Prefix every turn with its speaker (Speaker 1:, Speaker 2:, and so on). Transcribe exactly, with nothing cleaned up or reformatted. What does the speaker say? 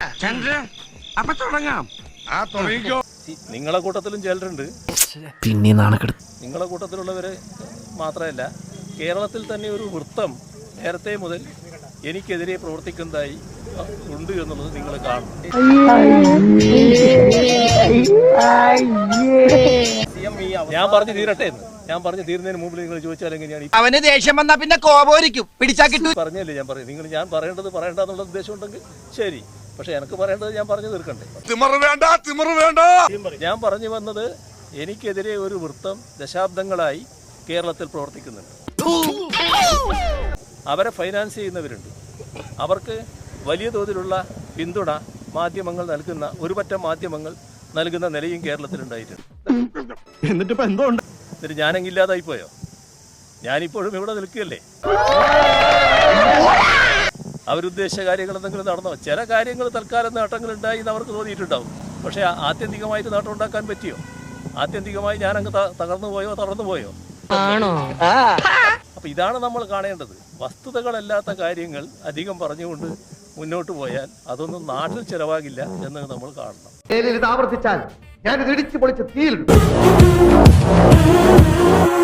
Speaker 1: അപ്പൊ തുടങ്ങാം. ആ തുടങ്ങിക്കോ.
Speaker 2: നിങ്ങളെ കൂട്ടത്തിലും ചിലരുണ്ട്,
Speaker 3: പിന്നെ നാണക്കെടുത്ത്.
Speaker 2: നിങ്ങളെ കൂട്ടത്തിലുള്ളവര് മാത്രമല്ല, കേരളത്തിൽ തന്നെ ഒരു വൃത്തം നേരത്തെ മുതൽ എനിക്കെതിരെ പ്രവർത്തിക്കുന്നതായി ഉണ്ട് എന്നുള്ളത് നിങ്ങൾ കാണണം. ഞാൻ പറഞ്ഞു തീരട്ടെ എന്ന് ഞാൻ പറഞ്ഞു തീരുന്നതിന് മുമ്പ് നിങ്ങൾ ചോദിച്ചാൽ എങ്ങനെയാണ്?
Speaker 4: അവന് ദേഷ്യം വന്നാ പിന്നെ കോപോരിക്കും, പിടിച്ചാ കിട്ടും.
Speaker 2: പറഞ്ഞല്ലേ ഞാൻ പറയും. നിങ്ങൾ ഞാൻ പറയേണ്ടത് പറയേണ്ടെന്നുള്ള ഉദ്ദേശം ഉണ്ടെങ്കിൽ ശരി, പക്ഷെ എനിക്ക് പറയേണ്ടത് ഞാൻ പറഞ്ഞു തീർക്കണ്ടേ.
Speaker 1: വേണ്ട വേണ്ട
Speaker 2: ഞാൻ പറഞ്ഞു വന്നത്, എനിക്കെതിരെ ഒരു വൃത്തം ദശാബ്ദങ്ങളായി കേരളത്തിൽ പ്രവർത്തിക്കുന്നുണ്ട്. അവരെ ഫൈനാൻസ് ചെയ്യുന്നവരുണ്ട്. അവർക്ക് വലിയ തോതിലുള്ള പിന്തുണ മാധ്യമങ്ങൾ നൽകുന്ന ഒരു പറ്റം മാധ്യമങ്ങൾ നൽകുന്ന നിലയും കേരളത്തിലുണ്ടായിട്ടുണ്ട്.
Speaker 1: എന്നിട്ട് ഇപ്പൊ എന്തോ ഉണ്ട്?
Speaker 2: എന്നിട്ട് ഞാനെങ്കില്ലാതായി പോയോ? ഞാനിപ്പോഴും ഇവിടെ നിൽക്കുകയല്ലേ? അവരുദ്ദേശിച്ച കാര്യങ്ങൾ എന്തെങ്കിലും നടന്നോ? ചില കാര്യങ്ങൾ തൽക്കാലം നേട്ടങ്ങൾ ഉണ്ടായി എന്ന് അവർക്ക് തോന്നിയിട്ടുണ്ടാവും. പക്ഷെ ആത്യന്തികമായിട്ട് നേട്ടം ഉണ്ടാക്കാൻ പറ്റിയോ? ആത്യന്തികമായി ഞാനങ്ങ് തകർന്നു പോയോ തളർന്നു പോയോ? അപ്പൊ ഇതാണ് നമ്മൾ കാണേണ്ടത്. വസ്തുതകളല്ലാത്ത കാര്യങ്ങൾ അധികം പറഞ്ഞുകൊണ്ട് മുന്നോട്ട് പോയാൽ അതൊന്നും നാട്ടിൽ ചെലവാകില്ല എന്ന് നമ്മൾ കാണണം.
Speaker 5: ആവർത്തിച്ചാൽ ഞാൻ ഇടിച്ചു പൊളിച്ച് തീയിലിടും.